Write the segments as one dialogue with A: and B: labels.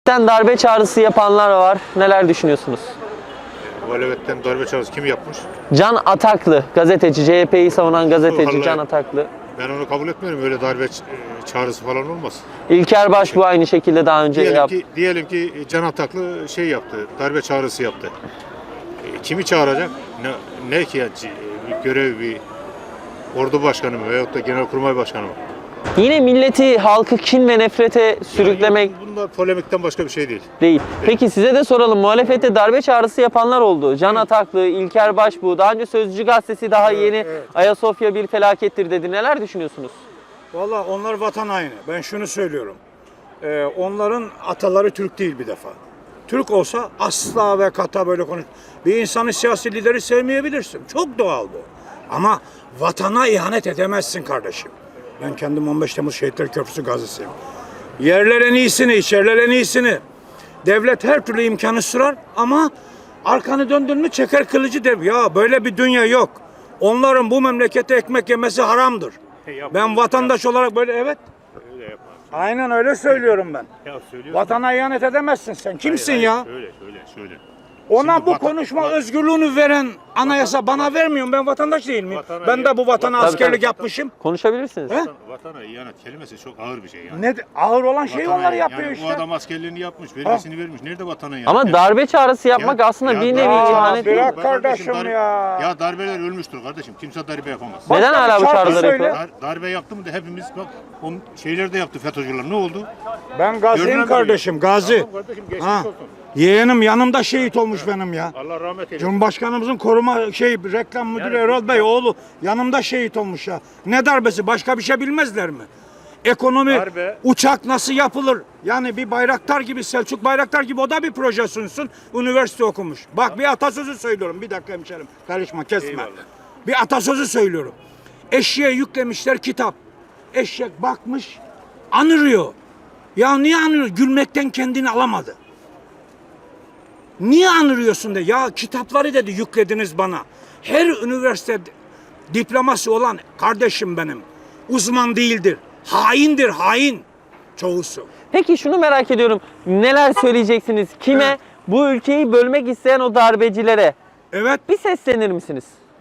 A: Darbe çağrısı yapanlar var. Neler düşünüyorsunuz?
B: Muhalefetten darbe çağrısı kim yapmış?
A: Can Ataklı, gazeteci, CHP'yi savunan gazeteci
B: Vallahi
A: Can Ataklı.
B: Ben onu kabul etmiyorum. Öyle darbe çağrısı falan olmaz.
A: İlker Başbuğ aynı şekilde daha önce yaptı.
B: Diyelim ki Can Ataklı şey yaptı, darbe çağrısı yaptı. Kimi çağıracak? Ne ki yani, bir görev, bir ordu başkanı mı veyahut da genelkurmay başkanı mı?
A: Yine milleti, halkı kin ve nefrete sürüklemek
B: Bunlar polemikten başka bir şey değil.
A: değil. Peki size de soralım. Muhalefette darbe çağrısı yapanlar oldu. Can Ataklı, İlker Başbuğ, daha önce Sözcü gazetesi daha yeni
C: evet.
A: Ayasofya bir felakettir dedi. Neler düşünüyorsunuz?
C: Valla onlar vatan haini. Ben şunu söylüyorum. Onların ataları Türk değil bir defa. Türk olsa asla ve kata böyle konuş. Bir insanı, siyasi lideri sevmeyebilirsin. Çok doğal bu. Ama vatana ihanet edemezsin kardeşim. Ben kendim 15 Temmuz Şehitler Köprüsü gazisiyim. Yerler en iyisini, içerler en iyisini. Devlet her türlü imkanı sürer ama arkanı döndün mü çeker kılıcı dev. Ya böyle bir dünya yok. Onların bu memlekete ekmek yemesi haramdır. Ben vatandaş olarak böyle evet.
B: Öyle yapmaz.
C: Aynen öyle söylüyorum ben.
B: Ya söylüyorsun.
C: Vatana ihanet edemezsin sen. Kimsin ya?
B: Şöyle.
C: Ona
B: Şimdi
C: bu konuşma özgürlüğünü veren anayasa bana vermiyor. Ben vatandaş değil miyim?
B: Vatana
C: Ben de bu vatana
A: Tabii,
C: askerlik
A: tabii.
C: yapmışım.
A: Konuşabilirsiniz.
C: He?
B: Vatana ihanet kelimesi çok ağır bir şey yani.
C: Ne ağır olan şeyi
B: Vatana-
C: onlar yapıyor
B: yani
C: işte.
B: O adam askerliğini yapmış, vergisini vermiş. Nerede vatana ihanet?
A: Ama darbe çağrısı yapmak aslında bir nevi
C: ya,
A: ihanet değil mi?
C: bırak kardeşim ya.
B: Ya darbeler ölmüştür kardeşim. Kimse darbe yapamaz.
A: Neden
C: Başka
A: hala
C: bir
A: bu
C: şarkı
A: çağrıları
C: söyle.
A: yapıyor?
B: Darbe yaptı mı da hepimiz bak o şeyler de yaptı FETÖ'cüler. Ne oldu?
C: Ben gaziyim
B: Görünen
C: kardeşim, gazi.
B: Tamam kardeşim, geçmiş
C: Ha.
B: olsun.
C: Yeğenim yanımda şehit olmuş benim ya.
B: Allah rahmet eylesin.
C: Cumhurbaşkanımızın koruma reklam müdürü Erol Bey oğlu yanımda şehit olmuş ya. Ne darbesi? Başka bir şey bilmezler mi? Ekonomi,
B: Darbe.
C: uçak nasıl yapılır? Yani bir Bayraktar gibi, Selçuk Bayraktar gibi o da bir proje sunsun. Üniversite okumuş. Bak bir atasözü söylüyorum. Bir dakika hemşerim. Karışma, kesme.
B: Eyvallah.
C: Bir atasözü söylüyorum. Eşeğe yüklemişler kitap. Eşek bakmış, anırıyor. Ya niye anırıyor? Gülmekten kendini alamadı. Niye anırıyorsun de? Ya kitapları dedi yüklediniz bana. Her üniversite diploması olan kardeşim benim uzman değildir. Haindir, hain çoğusu.
A: Peki şunu merak ediyorum. Neler söyleyeceksiniz? Kime?
C: Evet.
A: Bu ülkeyi bölmek isteyen o darbecilere
C: Evet
A: bir seslenir misiniz?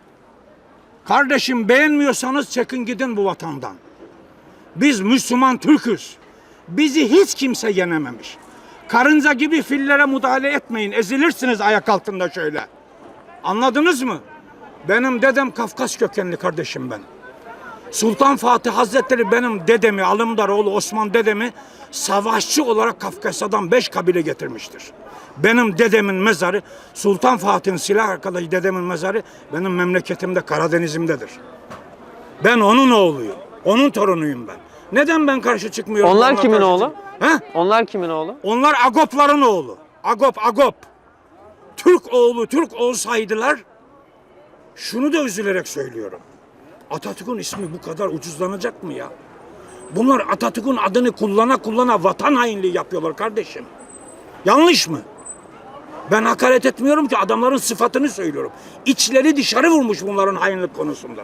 C: kardeşim, beğenmiyorsanız çekin gidin bu vatandan. Biz Müslüman Türk'üz. Bizi hiç kimse yenememiş. Karınca gibi fillere müdahale etmeyin. Ezilirsiniz ayak altında şöyle. Anladınız mı? Benim dedem Kafkas kökenli kardeşim ben. Sultan Fatih Hazretleri benim dedemi, Alımdaroğlu Osman dedemi savaşçı olarak Kafkasya'dan 5 kabile getirmiştir. Benim dedemin mezarı, Sultan Fatih'in silah arkadaşı dedemin mezarı benim memleketimde Karadeniz'imdedir. Ben onun oğluyum. Onun torunuyum ben. Neden ben karşı çıkmıyorum?
A: Onlar
C: Ona
A: kimin
C: karşı
A: oğlu?
C: He?
A: Onlar kimin oğlu?
C: Onlar Agopların oğlu. Agop. Türk oğlu olsaydılar, şunu da üzülerek söylüyorum. Atatürk'ün ismi bu kadar ucuzlanacak mı ya? Bunlar Atatürk'ün adını kullana vatan hainliği yapıyorlar kardeşim. Yanlış mı? Ben hakaret etmiyorum ki, adamların sıfatını söylüyorum. İçleri dışarı vurmuş bunların hainlik konusunda.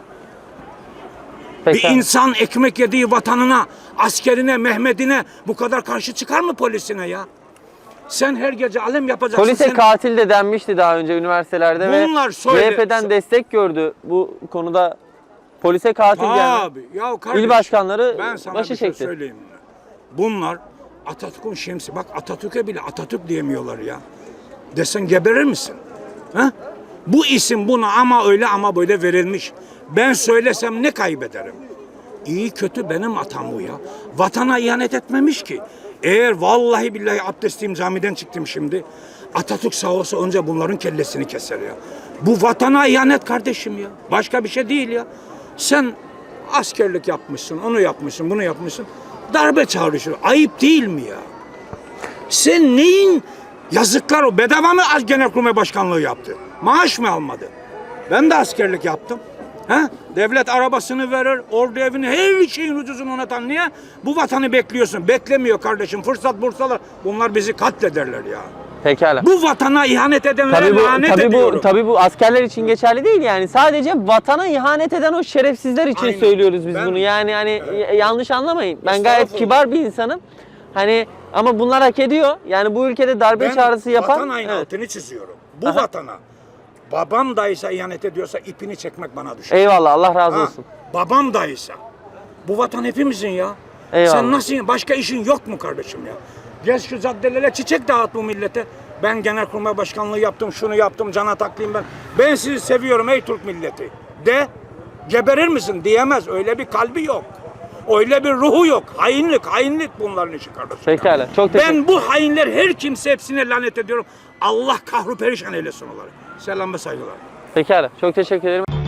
A: Peki.
C: Bir insan ekmek yediği vatanına, askerine, Mehmet'ine bu kadar karşı çıkar mı, polisine ya? Sen her gece alem yapacaksın.
A: Polise
C: sen...
A: katil de denmişti daha önce üniversitelerde
C: Bunlar
A: ve
C: söyle-
A: CHP'den destek gördü bu konuda. Polise katil geldi.
C: Abi ya kardeşim,
A: İl başkanları
C: ben sana
A: başı
C: bir şey
A: çekti.
C: söyleyeyim mi? Bunlar Atatürk'ün şemsi. Bak Atatürk'e bile Atatürk diyemiyorlar ya. Desen geberir misin? Ha? Bu isim buna ama öyle ama böyle verilmiş. Ben söylesem ne kaybederim? İyi kötü benim atam bu ya. Vatana ihanet etmemiş ki. Eğer vallahi billahi abdestliyim, camiden çıktım şimdi. Atatürk sağ olsa önce bunların kellesini keser ya. Bu vatana ihanet kardeşim ya. Başka bir şey değil ya. Sen askerlik yapmışsın, onu yapmışsın, bunu yapmışsın. Darbe çağrışır. Ayıp değil mi ya? Sen neyin yazıklar o? Bedava mı Genelkurmay Başkanlığı yaptı? Maaş mı almadı? Ben de askerlik yaptım. Ha? Devlet arabasını verir, ordu evini, her şeyin ucuzunu onatan. Niye? Bu vatanı bekliyorsun. Beklemiyor kardeşim. Fırsat bursalar. Bunlar bizi katlederler ya.
A: Pekala.
C: Bu vatana ihanet edenlere lanet ediyorum.
A: Tabii bu askerler için geçerli değil yani. Sadece vatana ihanet eden o şerefsizler için
C: Aynen.
A: söylüyoruz biz
C: Ben-
A: bunu. Yani hani yanlış anlamayın. Ben gayet
C: Estağfurullah.
A: kibar bir insanım. Hani ama bunlar hak ediyor. Yani bu ülkede darbe çağrısı yapan
C: vatan haini
A: evet.
C: altını çiziyorum. Bu
A: Aha.
C: vatana babam dayısa ihanet ediyorsa ipini çekmek bana düşer.
A: Eyvallah, Allah razı
C: Ha,
A: olsun.
C: babam dayısa. Bu vatan hepimizin ya.
A: Eyvallah.
C: Sen nasıl, başka işin yok mu kardeşim ya? Gel şu caddelere çiçek dağıt bu millete. Ben Genelkurmay Başkanlığı yaptım, şunu yaptım, can ataklıyım ben. Ben sizi seviyorum ey Türk milleti. De, geberir misin diyemez. Öyle bir kalbi yok. Öyle bir ruhu yok. Hainlik bunların işi kardeşim.
A: Pekala. Çok teşekkür
C: Ben bu hainler her kimse hepsine lanet ediyorum. Allah kahru perişan eylesin onları. Selam ve saygılar.
A: Pekala. Çok teşekkür ederim.